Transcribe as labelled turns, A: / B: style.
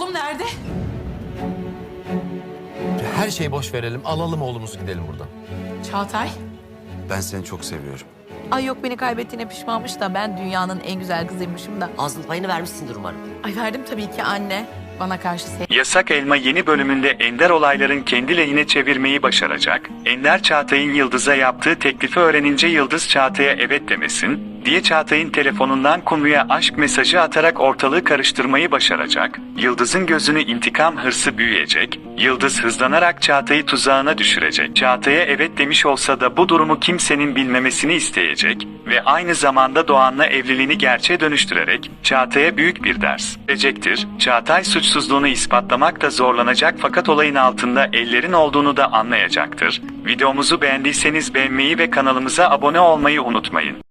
A: Oğlum nerede?
B: Her şeyi boş verelim, alalım oğlumuzu gidelim buradan.
A: Çağatay.
C: Ben seni çok seviyorum.
D: Ay yok, beni kaybettiğine pişmanmış da ben dünyanın en güzel kızıymışım da.
E: Ağzının payını vermişsindir umarım.
D: Ay verdim tabii ki anne. Bana karşı
F: Yasak Elma yeni bölümünde Ender olayların kendi lehine çevirmeyi başaracak. Ender Çağatay'ın Yıldız'a yaptığı teklifi öğrenince Yıldız Çağatay'a evet demesin diye Çağatay'ın telefonundan Kumru'ya aşk mesajı atarak ortalığı karıştırmayı başaracak. Yıldız'ın gözünü intikam hırsı büyüyecek. Yıldız hızlanarak Çağatay'ı tuzağına düşürecek. Çağatay'a evet demiş olsa da bu durumu kimsenin bilmemesini isteyecek ve aynı zamanda Doğan'la evliliğini gerçeğe dönüştürerek Çağatay'a büyük bir ders verecektir. Çağatay suçsuzluğunu ispatlamakta zorlanacak fakat olayın altında ellerin olduğunu da anlayacaktır. Videomuzu beğendiyseniz beğenmeyi ve kanalımıza abone olmayı unutmayın.